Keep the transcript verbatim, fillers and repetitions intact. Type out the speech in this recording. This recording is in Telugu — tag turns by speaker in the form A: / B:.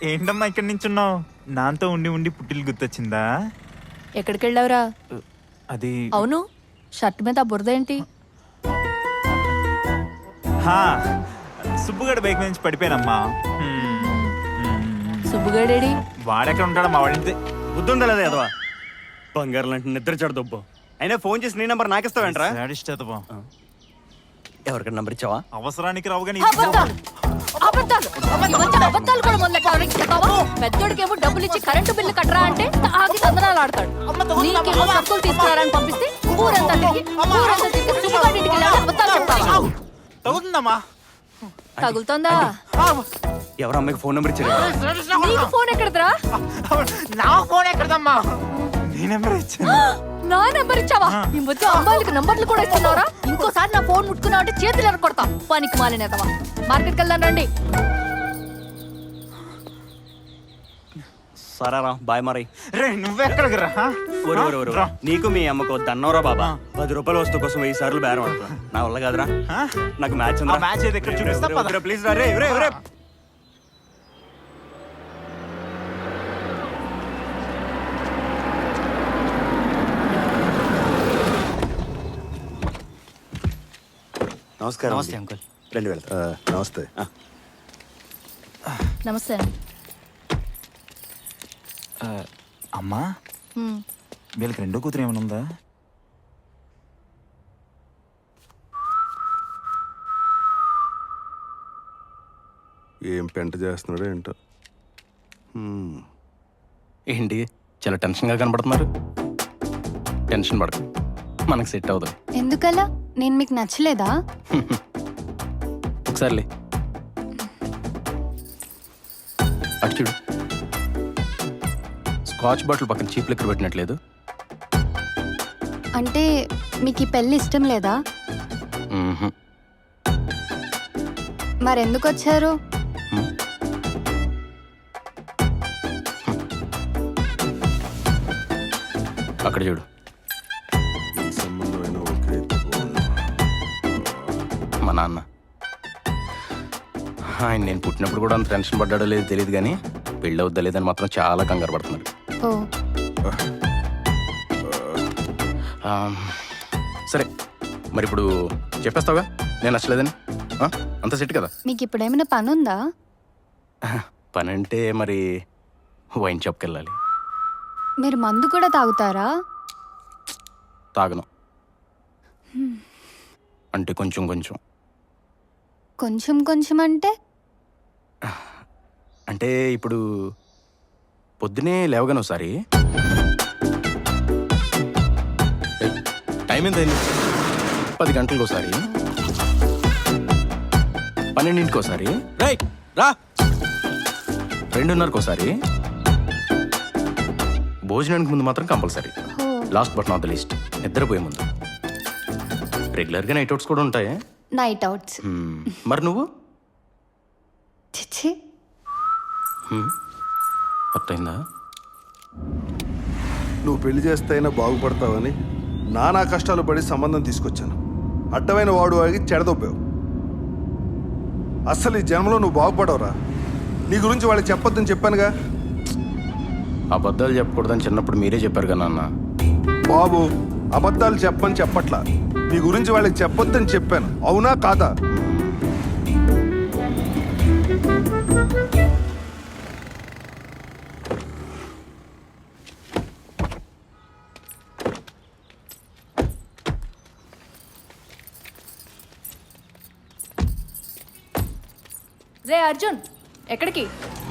A: ఏంటమ్మా ఇక్కడ నించున్నావు? నాతో ఉండి ఉండి పుట్టిలు గుర్తొచ్చిందా?
B: ఎక్కడికి వెళ్ళావురా?
A: అది
B: అవును, షర్ట్ మీద బురద ఏంటి?
A: హా సుబ్బుగడ బైక్ నుంచి పడిపోయానమ్మా.
B: సుబ్బుగడేడి?
A: వాడెక్కడ ఉంటాడా? మా వాడింతే.
C: బుద్ధుందా లేదా ఎదవా? బంగారు లాంటి నిద్ర చెడదొబ్బు. అయినా ఫోన్ చేసి నీ నెంబర్ నాకిస్తావేంట్రా? ఎవరికైనా నెంబర్ ఇచ్చావా?
A: అవసరానికి రావు కానీ
B: అబద్ధాలు అబద్ధాలు ఈ మధ్య అబద్ధాలు కూడా మొదలెట్టావు. పెద్దోడికేమో డబ్బులు ఇచ్చి కరెంటు బిల్లు కట్టరా అంటే తాగి తందనాలు ఆడతాడు. నీకేమో సబ్బులు తీసుకురారని పంపిస్తే ఊరంతా తిరిగి ఊరంతా తిరిగి సుబ్బుగాడింటికి వెళ్ళాడు. అబద్ధాలు చెప్తావా?
A: తగ్గుతుందమ్మా.
B: తగులుతోందా?
C: ఎవరు అమ్మాయికి ఫోన్ నెంబర్ ఇచ్చారు?
B: నీకు ఫోన్ ఎక్కడదరా?
A: నా ఫోన్ ఎక్కడదమ్మా? నీ నెంబర్ ఇచ్చాను.
B: నా నెంబర్ ఇచ్చావా? ఈ మధ్య అమ్మాయిలకు నంబర్లు కూడా ఇస్తున్నారా? ఇంకోసారి నా ఫోన్ ముట్టుకున్నావు అంటే చేతులు ఎరగొడతా. పనికి మాలినేదవా. మార్కెట్కి వెళ్దాం రండి.
C: సరేరా బాయ్ మరి.
A: రే నువ్వెక్కడికి రా?
C: ఒరు ఒరు ఒరు. నీకు మీ అమ్మకు దన్నోరా బాబా. పది రూపాయల వస్తువు కోసం వెయ్యి సార్లు బేరం ఆడుతున్నా. నా వల్ల కాదురా. నాకు మ్యాచ్ ఉందా?
A: మ్యాచ్ ఏది ఎక్కడ చూపిస్తా?
C: ప్లీజ్ రా. రే రే రే. నమస్కారం.
D: నమస్తే అంకుల్.
C: రెండు వేల
E: నమస్తే.
B: నమస్తే.
A: అమ్మా వీళ్ళకి రెండో కూతురు ఏమైనా ఉందా?
E: ఏం పెంట చేస్తున్నాడో ఏంటో.
D: ఏంటి చాలా టెన్షన్గా కనబడుతున్నారు? టెన్షన్ పడకు, మనకు సెట్ అవుతుంది.
F: ఎందుకలా? నేను మీకు నచ్చలేదా?
D: ఒకసారిలే అటు చూడు. స్కాచ్ బాటిల్ పక్కన చీప్ లిక్కర్ పెట్టినట్లేదు.
F: అంటే మీకు ఈ పెళ్ళి ఇష్టం లేదా?
D: మ్మ్హ్మ్.
F: మరెందుకు వచ్చారు?
D: అక్కడ చూడు.
E: ఈ సంబంధమైన ఒకే
D: మా నాన్న. ఆయన నేను పుట్టినప్పుడు కూడా అంత టెన్షన్ పడ్డాడో లేదో తెలియదు, కానీ పెళ్ళి అవుద్దా లేదని మాత్రం చాలా కంగారు పడుతున్నాడు.
F: ఓ
D: ఆ, సరే మరి ఇప్పుడు చెప్పేస్తావుగా నేను నచ్చలేదని? ఆ, అంత సెట్ కదా?
F: మీకు ఇప్పుడు ఏమైనా పని ఉందా?
D: పని అంటే మరి వైన్ షాప్కి వెళ్ళాలి.
F: మీరు మందు కూడా తాగుతారా?
D: తాగను. అంటే కొంచెం కొంచెం.
F: కొంచెం కొంచెం అంటే?
D: అంటే ఇప్పుడు పొద్దునే లేవగాను ఒకసారి, ఏయ్, టైం ఎంత అయింది? పది గంటలకు ఒకసారి, పన్నెండింటికి ఒకసారి, రైట్ రా, రెండున్నరకు ఒకసారి, భోజనానికి ముందు మాత్రం compulsory.
F: Oh
D: last but not the least నిద్రపోయే ముందు. రెగ్యులర్గా నైట్ అవుట్స్ కూడా ఉంటాయి.
F: Night outs.
D: మ్మ్. మరి నువ్వు?
F: చిచ్చి.
D: అర్థమైందా?
E: నువ్వు పెళ్లి చేస్తే అయినా బాగుపడతావని నానా కష్టాలు పడి సంబంధం తీసుకొచ్చాను. అడ్డమైన వాడు వాడికి చెడదొబ్బావు. అస్సలు ఈ జన్మలో నువ్వు బాగుపడవురా. నీ గురించి వాళ్ళకి చెప్పొద్దని చెప్పానుగా.
D: అబద్ధాలు చెప్పకూడదని చిన్నప్పుడు మీరే చెప్పారు కదా నాన్న.
E: బాబు అబద్ధాలు చెప్పని చెప్పట్లా, నీ గురించి వాళ్ళకి చెప్పొద్దని చెప్పాను. అవునా కాదా?
B: రే అర్జున్, ఎక్కడికి?